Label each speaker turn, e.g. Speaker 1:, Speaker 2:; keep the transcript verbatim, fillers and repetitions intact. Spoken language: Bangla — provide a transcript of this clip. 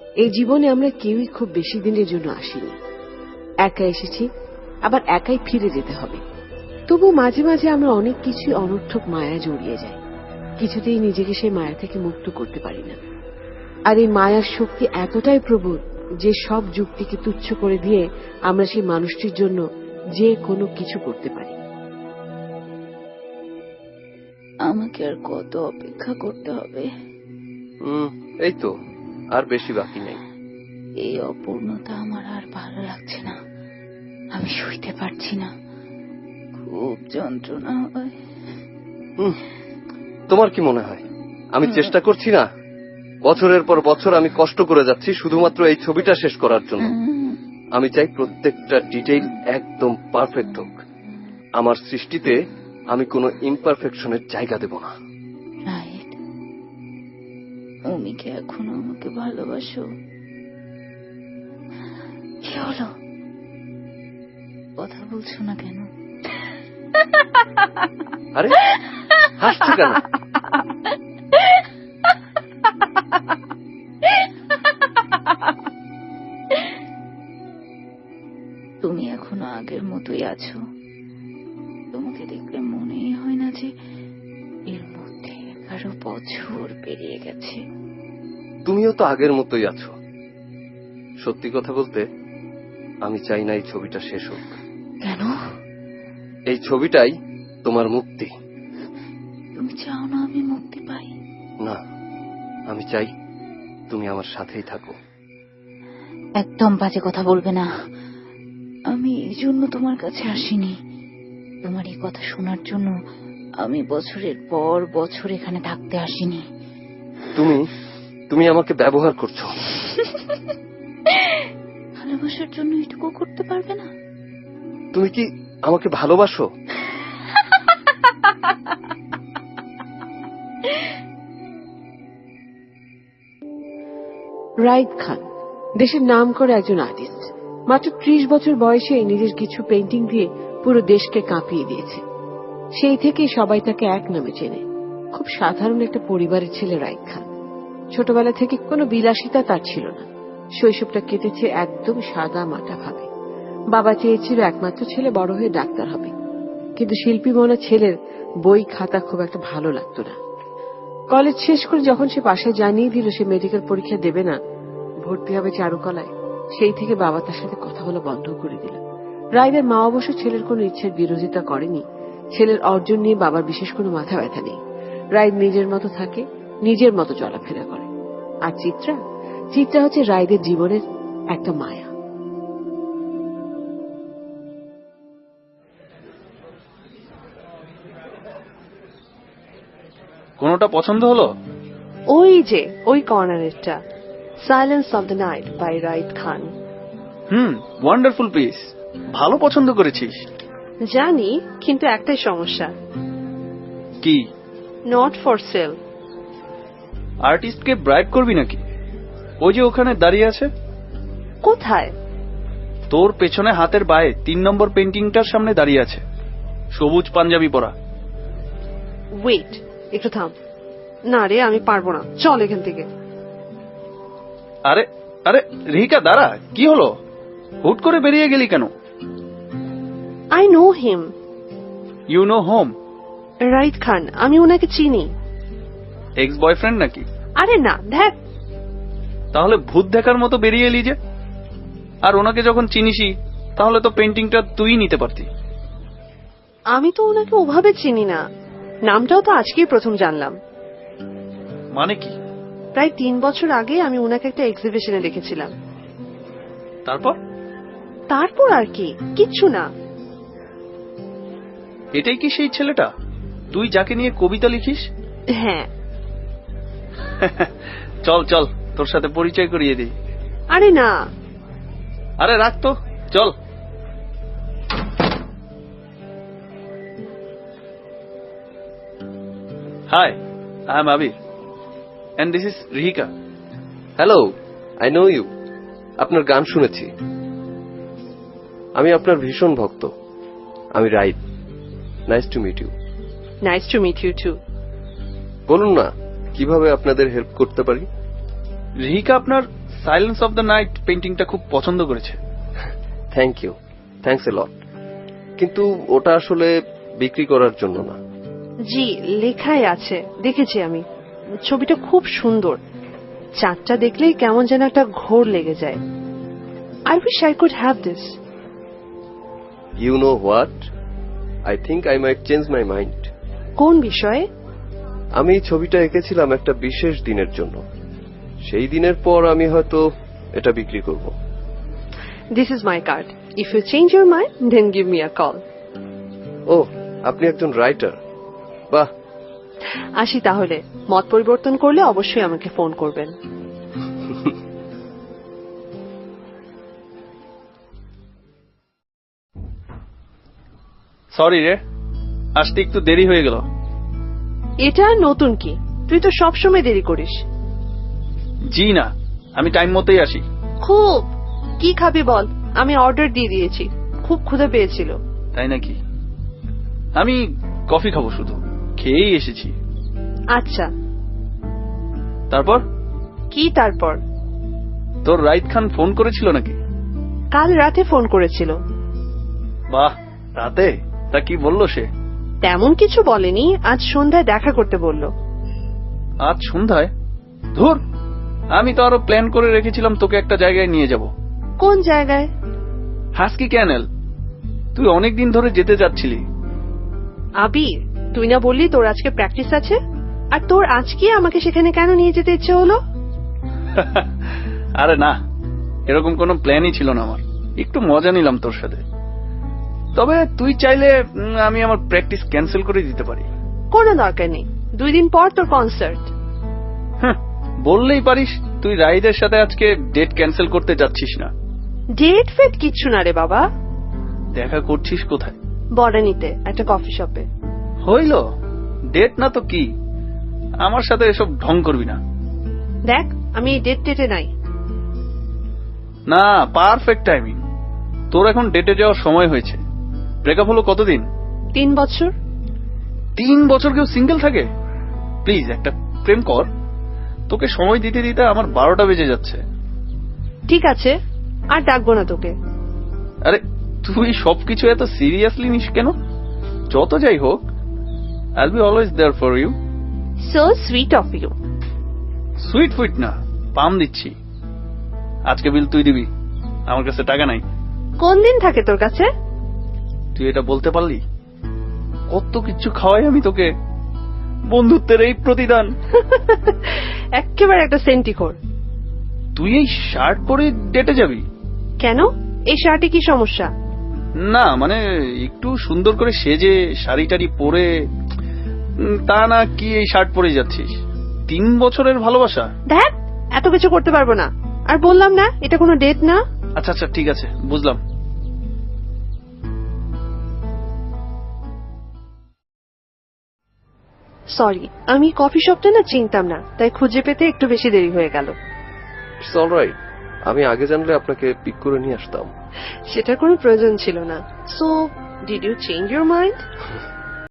Speaker 1: এই জীবনে আমরা কেউই খুব বেশি দিনের জন্য আসিনি। একা এসেছি, আবার একাই ফিরে যেতে হবে। তবু মাঝে মাঝে আমরা অনেক কিছু অনর্থক মায়া জড়িয়ে যাই, কিছুতেই নিজেকে সেই মায়া থেকে মুক্ত করতে পারি না। আর এই মায়ার শক্তি এতটাই প্রবল যে সব যুক্তিকে তুচ্ছ করে দিয়ে আমরা সেই মানুষটির জন্য যে কোনো কিছু করতে পারি।
Speaker 2: আমাকে আর কত অপেক্ষা করতে হবে?
Speaker 3: এই তো, আর বেশি বাকি নেই।
Speaker 2: এই অপূর্ণতা আমার আর ভালো লাগছে না। আমি শুইতে পারছি না, খুব যন্ত্রণা হয়।
Speaker 3: তোমার কি মনে হয় আমি চেষ্টা করছি না? বছরের পর বছর আমি কষ্ট করে যাচ্ছি শুধুমাত্র এই ছবিটা শেষ করার জন্য। আমি চাই প্রত্যেকটা ডিটেইল একদম পারফেক্ট হোক। আমার সৃষ্টিতে আমি কোনো ইমপারফেকশনের জায়গা দেব না।
Speaker 2: রাইট, তুমি কি এখনো আমাকে ভালোবাসো? কি হলো, কথা বলছো না কেন?
Speaker 3: আরে হাসছো কেন?
Speaker 2: তুমি এখনো আগের মতোই আছো। তোমাকে দেখলে মনেই হয় না যে এর মধ্যে এগারো বছর পেরিয়ে গেছে।
Speaker 3: তুমিও তো আগের মতোই আছো। সত্যি কথা বলতে আমি চাই না এই ছবিটা শেষ হোক।
Speaker 2: কেন?
Speaker 3: এই ছবিটাই তোমার মুক্তি।
Speaker 2: তুমি চাও না আমি মুক্তি পাই?
Speaker 3: না, আমি চাই তুমি আমার সাথেই থাকো।
Speaker 2: একদম বাজে কথা বলবে না। আমি এই জন্য তোমার কাছে আসিনি। তোমার এই কথা শোনার জন্য আমি বছরের পর বছর এখানে থাকতে আসিনি।
Speaker 3: তুমি তুমি আমাকে ব্যবহার করছো।
Speaker 2: ভালোবাসার জন্য এটুকু করতে পারবে না?
Speaker 3: তুমি কি আমাকে ভালোবাসো?
Speaker 1: রাইদ খান দেশের নাম করা একজন আর্টিস্ট। মাত্র ত্রিশ বছর বয়সে নিজের কিছু পেইন্টিং দিয়ে পুরো দেশকে কাঁপিয়ে দিয়েছে। সেই থেকে সবাই তাকে এক নামে চেনে। খুব সাধারণ একটা পরিবারের ছেলে রাইদ খান। ছোটবেলা থেকে কোনো বিলাসিতা তার ছিল না। শৈশবটা কেটেছে একদম সাদা মাটা ভাবে। বাবা চেয়েছিল একমাত্র ছেলে বড় হয়ে ডাক্তার হবে, কিন্তু শিল্পী মনা ছেলের বই খাতা খুব একটা ভালো লাগতো না। কলেজ শেষ করে যখন সে বাসায় জানিয়ে দিল সে মেডিকেল পরীক্ষা দেবে না, ভর্তি হবে চারুকলায়, সেই থেকে বাবা তার সাথে কথা বলা বন্ধ করে দিল। রাইদের মা অবশ্য ছেলের কোনো ইচ্ছের বিরোধিতা করেনি। ছেলের অর্জন নিয়ে বাবার বিশেষ কোনো মাথা ব্যথা নেই। রাইদ নিজের মতো থাকে, নিজের মতো চলাফেরা করে। আর চিত্রা চিত্রা হচ্ছে রাইদের জীবনের একটা মায়া।
Speaker 4: কোনটা পছন্দ হলো?
Speaker 5: ওই যে ওই কর্নারেরটা, silence of the night by Raid Khan.
Speaker 4: হুম, ওয়ান্ডারফুল পিস। ভালো পছন্দ করেছিস।
Speaker 5: জানি, কিন্তু একটাই সমস্যা।
Speaker 4: কি?
Speaker 5: Not for sale.
Speaker 4: আর্টিস্টকে ব্রাইব করবি নাকি? ওই যে ওখানে দাঁড়িয়ে আছে।
Speaker 5: কোথায়?
Speaker 4: তোর পেছনে হাতের বায়ে তিন নম্বর পেন্টিংটার সামনে দাঁড়িয়ে আছে, সবুজ পাঞ্জাবি পরা।
Speaker 5: ওয়েট, একটু থাম। না রে, আমি পারবো না, চল এখান থেকে।
Speaker 4: আরে আরে রিহিকা, দাঁড়া। কি হলো? হুট করে বেরিয়ে গেলি কেন?
Speaker 5: I know him.
Speaker 4: You know him?
Speaker 5: Raid Khan, আমি ওনাকে চিনি।
Speaker 4: এক্স বয়ফ্রেন্ড নাকি?
Speaker 5: আরে না, দেখ।
Speaker 4: তাহলে ভূত দেখার মতো বেরিয়ে এলি যে? আর ওনাকে যখন চিনিসই তাহলে তো পেন্টিংটা তুই নিতে পারতি।
Speaker 5: আমি তো ওনাকে ওভাবে চিনি না, নামটাও তো আজকেই প্রথম জানলাম।
Speaker 4: মানে কি?
Speaker 5: প্রায় তিন বছর আগে আমি ওনাকে একটা এক্সিবিশনে দেখেছিলাম।
Speaker 4: তারপর?
Speaker 5: তারপর আর কি, কিচ্ছু না।
Speaker 4: এটাই কি সেই ছেলেটা তুই যাকে নিয়ে কবিতা লিখিস?
Speaker 5: হ্যাঁ।
Speaker 4: চল চল, তোর সাথে পরিচয় করিয়ে দিই।
Speaker 5: আরে না।
Speaker 4: আরে রাখ তো, চল। Hi, I am Abir and this is Rihika.
Speaker 3: Hello, I know you. আপনার গান শুনেছি। আমি আপনার ভীষণ ভক্ত। আমি Raid. Nice to meet you.
Speaker 5: Nice to meet you too.
Speaker 3: বলুন না, কিভাবে আপনাদের হেল্প করতে পারি?
Speaker 4: রিহিকা আপনার সাইলেন্স অফ দ্য নাইট পেইন্টিংটা খুব পছন্দ করেছে।
Speaker 3: Thank you, thanks a lot. কিন্তু ওটা আসলে বিক্রি করার জন্য না।
Speaker 5: জি, লেখাই আছে, দেখেছি আমি। ছবিটা খুব সুন্দর। চাঁদটা দেখলেই কেমন যেন একটা ঘোর লেগে যায়। I wish I could have this.
Speaker 3: You know what, I think I might change my mind.
Speaker 5: কোন বিষয়ে?
Speaker 3: আমি এই ছবিটা এঁকেছিলাম একটা বিশেষ দিনের জন্য। সেই দিনের পর আমি হয়তো এটা বিক্রি করব।
Speaker 5: This is my card. If you change your mind then give me a call.
Speaker 3: ও, আপনি একজন রাইটার, বাহ।
Speaker 5: আসি তাহলে। মত পরিবর্তন করলে অবশ্যই আমাকে ফোন করবেন।
Speaker 4: সরি রে, আসতে একটু দেরি হয়ে গেল।
Speaker 5: এটা আর নতুন কি? তুই তো সবসময় দেরি করিস।
Speaker 4: জি না, আমি টাইম মতোই আসি।
Speaker 5: খুব। কি খাবি বল? আমি অর্ডার দিয়ে দিয়েছি। খুব ক্ষুধা পেয়েছিল।
Speaker 4: তাই নাকি? আমি কফি খাবো, শুধু খেয়েই এসেছি।
Speaker 5: আচ্ছা,
Speaker 4: তারপর
Speaker 5: কি তারপর?
Speaker 4: তোর রাইত খান ফোন করেছিল নাকি?
Speaker 5: কাল রাতে ফোন করেছিল।
Speaker 4: বাহ, রাতে? তা কি বললো সে?
Speaker 5: তেমন কিছু বলেনি। আজ সন্ধ্যায় দেখা করতে বলল।
Speaker 4: আজ সন্ধ্যায়? ধুর, আমি তো আরো প্ল্যান করে রেখেছিলাম তোকে একটা জায়গায় নিয়ে যাব।
Speaker 5: কোন জায়গায়?
Speaker 4: Husky kennel. তুই অনেকদিন ধরে যেতে যাচ্ছিলি।
Speaker 5: আবির, তুই না বললি তোর আজকে প্র্যাকটিস আছে? আর তোর আজকে আমাকে সেখানে কেন নিয়ে যেতে ইচ্ছে হলো?
Speaker 4: আরে না, এরকম কোনো প্ল্যানই ছিল না আমার। একটু মজা নিলাম তোর সাথে। তবে তুই চাইলে উম, আমি আমার প্র্যাকটিস ক্যান্সেল করে দিতে পারি।
Speaker 5: কোনো দরকার নেই। দুই দিন পর তোর কনসার্ট।
Speaker 4: হ্যাঁ, বললেই পারিস তুই রাইদের সাথে আজকে ডেট ক্যান্সেল করতে যাচ্ছিস না।
Speaker 5: ডেট ফেট কিচ্ছু না রে বাবা।
Speaker 4: দেখা করছিস কোথায়?
Speaker 5: বরানিতে একটা কফি শপে।
Speaker 4: হইল, ডেট না তো কি? আমার সাথে এসব ঢং করবি না।
Speaker 5: দেখ, আমি এই ডেট টেটে নাই।
Speaker 4: না, পারফেক্ট টাইমিং। তোর এখন ডেটে যাওয়ার সময় হয়েছে। ব্রেকআপ হলো কতদিন?
Speaker 5: তিন বছর।
Speaker 4: তিন বছর কেউ সিঙ্গেল থাকে? প্লিজ একটা প্রেম কর। তোকে সময় দিতে দিতে আমার বারোটা বেজে যাচ্ছে।
Speaker 5: ঠিক আছে, আর ডাকবো না তোকে।
Speaker 4: আরে তুই সবকিছু এত সিরিয়াসলি নিস কেন? যত যাই হোক, I will be always there for you.
Speaker 5: So sweet of you.
Speaker 4: Sweet ফুইট না, পাম দিচ্ছি। আজকে বিল তুই দিবি, আমার কাছে টাকা নাই।
Speaker 5: কোন দিন থাকে তোর কাছে?
Speaker 4: তুই এটা বলতে পারলি? কত কিছু খাওয়াই আমি তোকে, বন্ধুত্বের এই প্রতিদান।
Speaker 5: একেবারে একটা সেন্টিখোর।
Speaker 4: তুই এই শার্ট পরে ডেটে যাবি?
Speaker 5: কেন? এই শার্টে কি সমস্যা?
Speaker 4: না মানে একটু সুন্দর করে সেজে শাড়ি টাড়ি পরে, উম, তা না কি এই শার্ট পরে যাচ্ছিস? তিন বছরের ভালোবাসা?
Speaker 5: দেখ, এত কিছু করতে পারবো না। আর বললাম না, এটা কোনো ডেট না।
Speaker 4: আচ্ছা আচ্ছা, ঠিক আছে, বুঝলাম।
Speaker 5: সরি, আমি কফি শপটা না চিনতাম না, তাই খুঁজে পেতে একটু বেশি দেরি হয়ে গেল।
Speaker 3: ইটস অলরাইট, আমি আগে জানলে আপনাকে পিক করে নিয়ে আসতাম।
Speaker 5: সেটার কোনো প্রয়োজন ছিল না। So did you change your mind?